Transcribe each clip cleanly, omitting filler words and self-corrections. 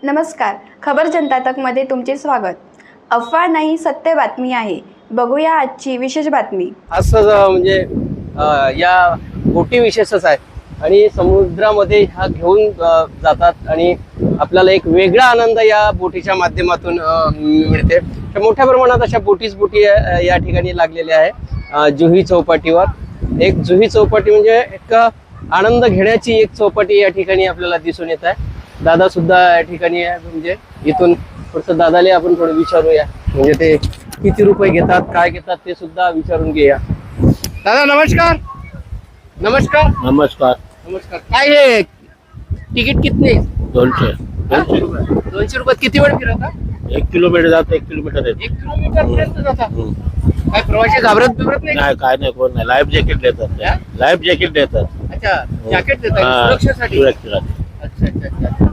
नमस्कार, खबर जनता तकमध्ये तुमचे स्वागत। अफवा नाही, सत्य बातमी आहे। बघूया आजची विशेष बातमी। असं म्हणजे या बोटी विशेषच आहे आणि समुद्रामध्ये ह्या घेऊन जातात आणि आपल्याला एक वेगळा आनंद या बोटीच्या माध्यमातून मिळते। तर मोठ्या प्रमाणात अशा बोटी या ठिकाणी लागलेल्या आहे। जुही चौपाटीवर एक जुही चौपाटी म्हणजे एक आनंद घेण्याची एक चौपाटी या ठिकाणी आपल्याला दिसून येत आहे। दादा सुद्धा या ठिकाणी आहे, म्हणजे इथून थोडंसं दादाले आपण थोडं विचारूया, म्हणजे ते किती रुपये घेतात, काय घेतात ते सुद्धा विचारून घेऊया। दादा नमस्कार। नमस्कार नमस्कार। नमस्कार। काय हे तिकीट कितने? 200 200 रुपयात किती वेळ फिरता? 1 किलोमीटर जात 1 किलोमीटर येत 1 किलोमीटर पर्यंत जाता? काय प्रवासी घाबरत नाही? नाही, काय नाही, कोण नाही। लाईफ जॅकेट देतात, लाईफ जॅकेट देतात। अच्छा, जॅकेट देतात सुरक्षेसाठी? सुरक्षेसाठी। अच्छा अच्छा अच्छा।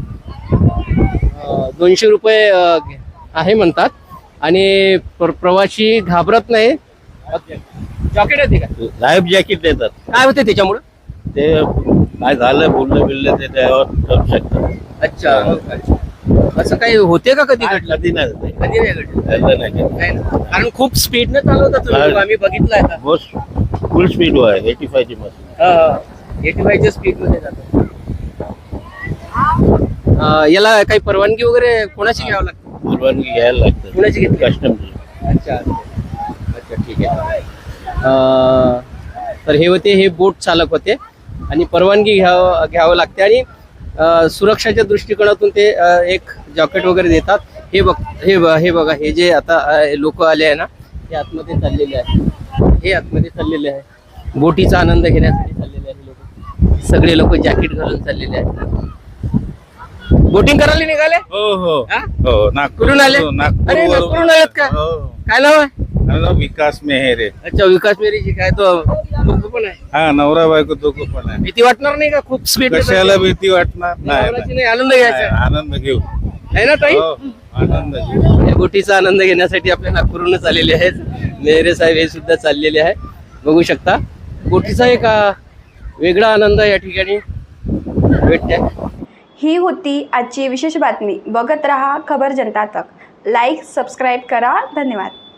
200 रुपये आहे म्हणतात आणि प्रवासी घाबरत नाही। जॅकेट येते का? लाईफ जॅकेट देतात। काय होते त्याच्यामुळे? ते काय झालं, बोललं बिललं ते त्यावर करू शकतात। अच्छा, असं काही होते का कधी घडलं? कधी नाही होत. कधी नाही घडलं? घडलं नाही कधी। नाही ना? कारण खूप स्पीडने चालवता तुम्ही, आम्ही बघितलंय आता। मोस्ट फुल स्पीड आहे 85 ची मशीन। 85 च्या स्पीड मध्ये जातो। याला काही परवानगी वगैरे कोणाची घ्यावं लागते? परवानगी घ्यायला लागते। कोणाची घेतली? कस्टमची। अच्छा अच्छा, ठीक आहे। तर हे होते, हे बोट चालक होते आणि परवानगी घ्यावं लागते आणि सुरक्षाच्या दृष्टिकोनातून ते एक जॅकेट वगैरे देतात। हे बघा, हे जे आता लोक आले आहे ना, हे आतमध्ये चाललेले आहे। बोटीचा आनंद घेण्यासाठी चाललेले आहे लोक। सगळे लोक जॅकेट घालून चाललेले आहेत। बोटिंग करायला निघाले? हो हो हा? हो, कुठून आले? अरे नागपूरहून आलेत का? काय नाव आहे? विकास मेहरे। अच्छा, विकास मेहरेची काय तो पण आहे? हा, नवरा बायको दोघं पण आहे। भीती वाटणार नाही का? खूप स्पीड कशाला भीती वाटणार? नाही, आनंद घ्यायचा आनंद घेऊ। आहे ना ताई? हो, आनंद घेऊ। या बोटीचा आनंद घेण्यासाठी आपल्या नागपूरहूनच आलेले आहेत मेहरे साहेब, हे सुद्धा चाललेले आहे। बघू शकता, बोटीचा एक वेगळा आनंद या ठिकाणी भेटते। ही होती आजची विशेष बातमी। बघत रहा खबर जनता तक। लाईक, सबस्क्राईब करा। धन्यवाद।